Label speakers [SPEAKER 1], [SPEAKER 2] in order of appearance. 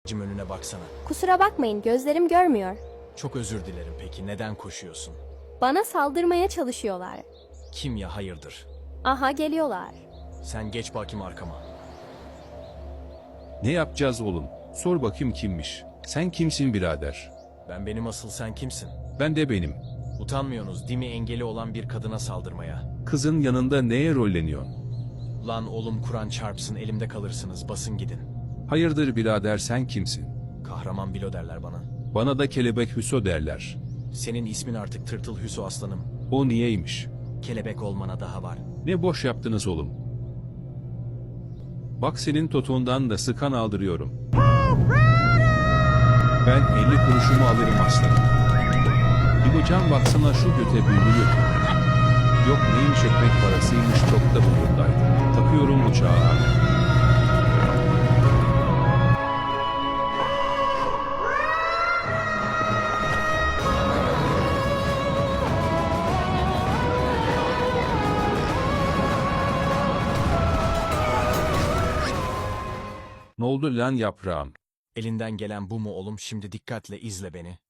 [SPEAKER 1] önüne baksana.
[SPEAKER 2] Kusura bakmayın, gözlerim görmüyor.
[SPEAKER 1] Çok özür dilerim, peki neden koşuyorsun?
[SPEAKER 2] Bana saldırmaya çalışıyorlar.
[SPEAKER 1] Kim ya, hayırdır?
[SPEAKER 2] Aha, geliyorlar.
[SPEAKER 1] Sen geç bakayım arkama.
[SPEAKER 3] Ne yapacağız oğlum? Sor bakayım kimmiş? Sen kimsin birader?
[SPEAKER 1] Benim, asıl sen kimsin?
[SPEAKER 3] Ben de benim.
[SPEAKER 1] Utanmıyorsunuz değil mi engeli olan bir kadına saldırmaya?
[SPEAKER 3] Kızın yanında neye rolleniyorsun?
[SPEAKER 1] Lan oğlum, Kur'an çarpsın, elimde kalırsınız, basın gidin.
[SPEAKER 3] Hayırdır birader, sen kimsin?
[SPEAKER 1] Kahraman Bilo derler bana.
[SPEAKER 3] Bana da kelebek Hüso derler.
[SPEAKER 1] Senin ismin artık Tırtıl Hüso aslanım.
[SPEAKER 3] O niyeymiş?
[SPEAKER 1] Kelebek olmana daha var.
[SPEAKER 3] Ne boş yaptınız oğlum. Bak senin totuğundan da sıkan aldırıyorum. Ben 50 kuruşumu alırım aslanım. İbocan baksana şu göte bülbülü. Yok neymiş, ekmek parasıymış, çok da burnundaydı. Takıyorum uçağa. Ne oldu lan yaprağım?
[SPEAKER 1] Elinden gelen bu mu oğlum? Şimdi dikkatle izle beni.